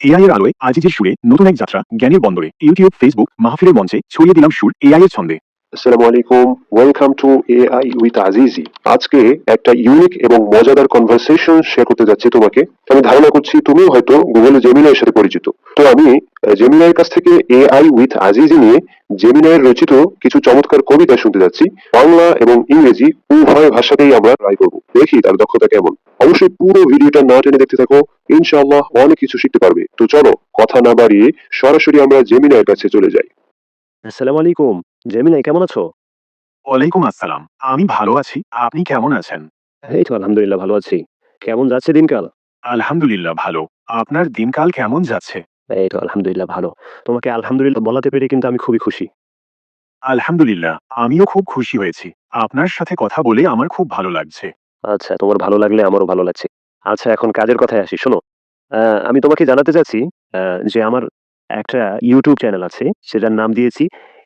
AI এর আলোয় আজিজের সুরে নতুন এক যাত্রা জ্ঞানের বন্দরে ইউটিউব ফেসবুক মাহফিলের মঞ্চে ছড়িয়ে দিলাম সুর এআই এর ছন্দে। আসসালামু আলাইকুম, welcome to AI with Azizi. আজকে একটা ইউনিক এবং মজাদার কনভারসেশন শেয়ার করতে যাচ্ছি তোমাকে। আমি ধারণা করছি তুমিও হয়তো গুগল জেমিনাইয়ের সাথে পরিচিত। তো আমি জেমিনাইয়ের কাছ থেকে এআই উইথ আজিজি নিয়ে জেমিনাইয়ের রচিত কিছু চমৎকার কবিতা শুনতে যাচ্ছি। বাংলা এবং ইংরেজি উভয় ভাষাতেই আমরা ট্রাই করবো, দেখি তার দক্ষতা কেমন। অবশ্যই পুরো ভিডিওটা না টেনে দেখতে থাকো, ইনশাআল্লাহ অনেক কিছু শিখতে পারবে। তো চলো কথা না বাড়িয়ে সরাসরি আমরা জেমিনাইয়ের কাছে চলে যাই। আসসালামু আলাইকুম। জেমিলাই কেমন আছো? ওয়ালাইকুম আসসালাম। আমি ভালো আছি, আপনি কেমন আছেন? এই তো আলহামদুলিল্লাহ ভালো আছি। কেমন যাচ্ছে দিনকাল? আলহামদুলিল্লাহ ভালো। আপনার দিনকাল কেমন যাচ্ছে? এই তো আলহামদুলিল্লাহ ভালো। তোমাকে আলহামদুলিল্লাহ বলাতে পেরে কিন্তু আমি খুবই খুশি। আলহামদুলিল্লাহ আমিও খুব খুশি হয়েছি। আপনার সাথে কথা বলে আমার খুব ভালো লাগছে। আচ্ছা, তোমার ভালো লাগলে আমারও ভালো লাগছে। আচ্ছা, এখন কাজের কথায় আসি। শোনো, আ আমি তোমাকে জানাতে চাচ্ছি আ যে আমার একটা YouTube চ্যানেল আছে। সেটার নাম দিয়েছি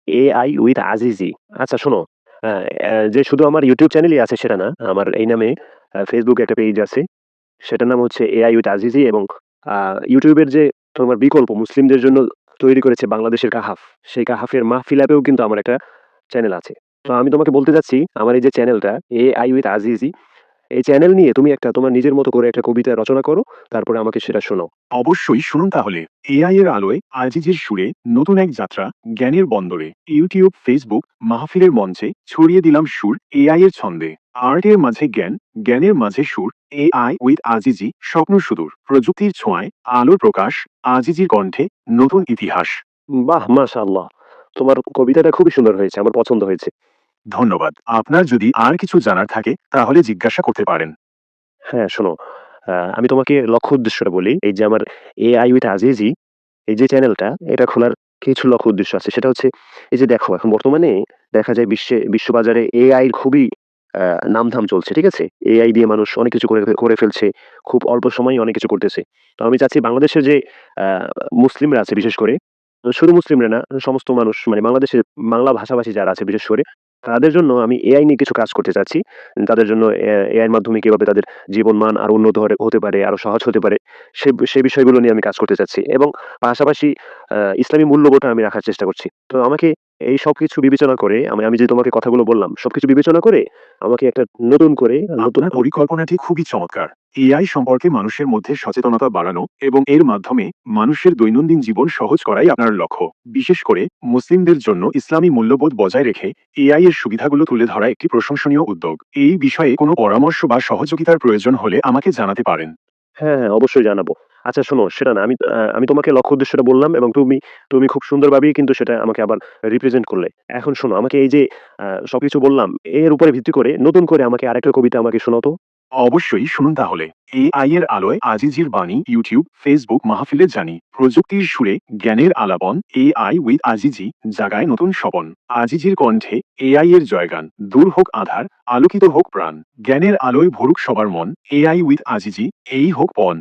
AI with আজিজি। আচ্ছা শোনো, আ যে শুধু আমার YouTube চ্যানেলই আছে সেটা না। আমার এই নামে Facebook এ একটা পেজ আছে। সেটার নাম হচ্ছে এআই উইথ আজিজি এবং আ YouTube এর যে তোমার বিকল্প মুসলিমদের জন্য তৈরি করেছে বাংলাদেশের কাহাফ, সেই কাহাফের মাহফিল অ্যাপেও কিন্তু আমার একটা চ্যানেল আছে। তো আমি তোমাকে বলতে চাচ্ছি আমার এই যে চ্যানেলটা এআই উইথ আজিজি, এই চ্যানেল নিয়ে তুমি একটা তোমার নিজের মতো করে একটা কবিতা রচনা করো, তারপরে আমাকে সেটা শোনাও। অবশ্যই শুনুন তাহলে। এআই এর আলোয় আজিজের সুরে নতুন এক যাত্রা জ্ঞানের বন্দরে ইউটিউব ফেসবুক মাহফিলের মঞ্চে ছড়িয়ে দিলাম সুর এআই এর ছন্দে। আর্টের মাঝে জ্ঞান, জ্ঞানের মাঝে সুর। এআই উইথ আজিজি, স্বপ্ন সুদূর প্রযুক্তির ছোঁয়ায় আলোর প্রকাশ। আজিজির কণ্ঠে নতুন ইতিহাস। বাহ! মাশাআল্লাহ। তোমার কবিতাটা খুবই সুন্দর হয়েছে। আমার পছন্দ হয়েছে। ধন্যবাদ। আপনার যদি আর কিছু জানার থাকে তাহলে জিজ্ঞাসা করতে পারেন। হ্যাঁ, শোনো, আমি তোমাকে লক্ষ্য উদ্দেশ্যটা বলি। এই যে আমার এআই উইথ আজিজি, এই যে চ্যানেলটা, এটা খোলার কিছু লক্ষ্য উদ্দেশ্য আছে। সেটা হচ্ছে এই যে দেখো এখন বর্তমানে দেখা যায় বিশ্ববাজারে এআই র খুবই আ নামধাম চলছে। ঠিক আছে? এআই দিয়ে মানুষ অনেক কিছু করে ফেলছে। খুব অল্প সময়েই অনেক কিছু করতেছে। তো আমি চাচ্ছি বাংলাদেশের যে আ মুসলিমরা আছে বিশেষ করে, শুধু মুসলিমরা না, সমস্ত মানুষ মানে বাংলাদেশের বাংলা ভাষাভাষী যারা আছে বিশেষ করে, তাদের জন্য আমি এআই নিয়ে কিছু কাজ করতে চাচ্ছি। তাদের জন্য এআই এর মাধ্যমে কিভাবে তাদের জীবনমান আরো উন্নত হতে পারে, আরো সহজ হতে পারে, সেই বিষয়গুলো নিয়ে আমি কাজ করতে চাচ্ছি এবং পাশাপাশি ইসলামী মূল্যবোধটা আমি রাখার চেষ্টা করছি। তো আমাকে এই সবকিছু বিবেচনা করে আমি আমি যে তোমাকে কথাগুলো বললাম, সবকিছু বিবেচনা করে আমাকে একটা নতুন করে নতুন আপনার পরিকল্পনাটি খুবই চমৎকার। এআই সম্পর্কে মানুষের মধ্যে সচেতনতা বাড়ানো এবং এর মাধ্যমে মানুষের দৈনন্দিন জীবন সহজ করাই আপনার লক্ষ্য। বিশেষ করে মুসলিমদের জন্য ইসলামী মূল্যবোধ বজায় রেখে এআই এর সুবিধাগুলো তুলে ধরা একটি প্রশংসনীয় উদ্যোগ। এই বিষয়ে কোনো পরামর্শ বা সহযোগিতার প্রয়োজন হলে আমাকে জানাতে পারেন। হ্যাঁ, হ্যাঁ, অবশ্যই জানাবো। আচ্ছা শোনো, সেটা না আমি তোমাকে লক্ষ্য উদ্দেশ্যটা বললাম এবং তুমি খুব সুন্দরভাবেই কিন্তু সেটা আমাকে আবার রিপ্রেজেন্ট করলে। এখন শোনো, আমাকে এই যে সবকিছু বললাম, এর উপরে ভিত্তি করে নতুন করে আমাকে আরেকটা কবিতা আমাকে শোনাও তো। অবশ্যই শুনুন তাহলে। এআই এর আলোয় আজিজির বাণী ইউটিউব ফেসবুক মাহফিলে জানি প্রযুক্তির সুরে জ্ঞানের আলাপন। এআই উইথ আজিজি জাগায় নতুন স্বপন। আজিজির কণ্ঠে এআই এর জয়গান। দূর হোক আধার, আলোকিত হোক প্রাণ। জ্ঞানের আলোয় ভরুক সবার মন। এআই উইথ আজিজি, এই হোক পণ।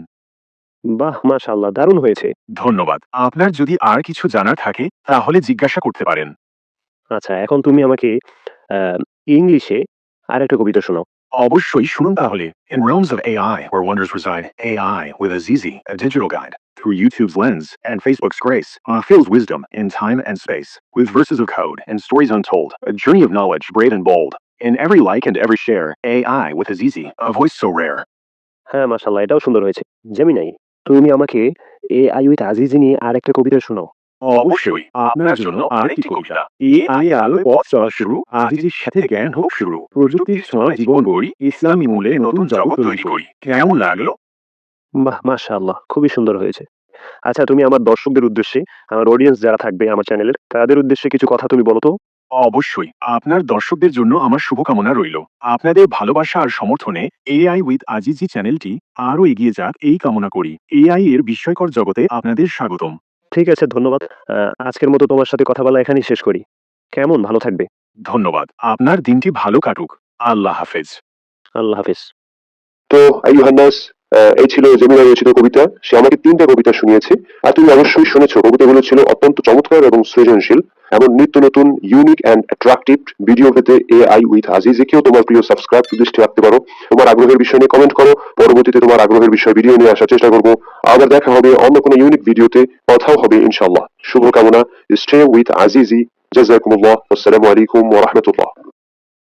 বাহ! মাশাআল্লাহ, দারুণ হয়েছে। ধন্যবাদ। আপনার যদি আর কিছু জানার থাকে তাহলে জিজ্ঞাসা করতে পারেন। আচ্ছা, এখন তুমি আমাকে আ ইংলিশে আরেকটা কবিতা শোনাও। অবশ্যই শুনুন তাহলে। In realms of AI, where wonders reside, AI with Azizi, a digital guide, through YouTube's lens and Facebook's grace, fills wisdom in time and space, with verses of code and stories untold, a journey of knowledge brave and bold. In every like and every share, AI with Azizi, a voice so rare. হ্যাঁ, মাশাআল্লাহ, এটাও সুন্দর হয়েছে। Gemini, তুমি আমাকে AI with Azizi নিয়ে আরেকটা কবিতা শোনাও। অবশ্যই আপনার জন্য আরেকটি কবিতা। এআই আলোয় পথ চলা শুরু, আজিজির সাথে জ্ঞান হোক শুরু। প্রযুক্তির ছোঁয়ায় জীবন গড়ি, ইসলামী মূলে নতুন জগৎ তৈরি করি। কেমন লাগলো? বাহ! মাশাআল্লাহ, খুবই সুন্দর হয়েছে। আচ্ছা, তুমি আমার দর্শকদের উদ্দেশ্যে, আমার অডিয়েন্স যারা থাকবে আমার চ্যানেলের, তাদের উদ্দেশ্যে কিছু কথা তুমি বলো তো। অবশ্যই আপনার দর্শকদের জন্য আমার শুভকামনা রইল। আপনাদের ভালোবাসা আর সমর্থনে এআই উইথ আজিজি চ্যানেলটি আরো এগিয়ে যাক এই কামনা করি। এআই এর বিস্ময়কর জগতে আপনাদের স্বাগতম। ঠিক আছে, ধন্যবাদ। আ আজকের মতো তোমার সাথে কথা বলা এখানেই শেষ করি। কেমন, ভালো থাকবে। ধন্যবাদ। আপনার দিনটি ভালো কাটুক। আল্লাহ হাফেজ। আল্লাহ হাফেজ। তো আইয়ুহান্নাস, এই ছিল জেমিনাই রচিত কবিতা। সে আমাকে 3টা কবিতা শুনিয়েছে, আর তুমি অবশ্যই শুনেছো। কবিতাগুলো ছিল অত্যন্ত চমৎকার এবং সৃজনশীল। এমন নিত্য নতুন ইউনিক অ্যান্ড অ্যাট্রাকটিভ ভিডিও পেতে এআই উইথ আজিজিকেও তোমার প্রিয় সাবস্ক্রাইব দৃষ্টি রাখতে পারো। তোমার আগ্রহের বিষয় নিয়ে কমেন্ট করো, পরবর্তীতে তোমার আগ্রহের বিষয় ভিডিও নিয়ে আসার চেষ্টা করবো। আবার দেখা হবে অন্য কোনো ইউনিক ভিডিওতে, কথাও হবে ইনশাআল্লাহ। শুভকামনা। Stay with Azizi. জাযাকুমুল্লাহ। আসসালামু আলাইকুম ওয়া রাহমাতুল্লাহ।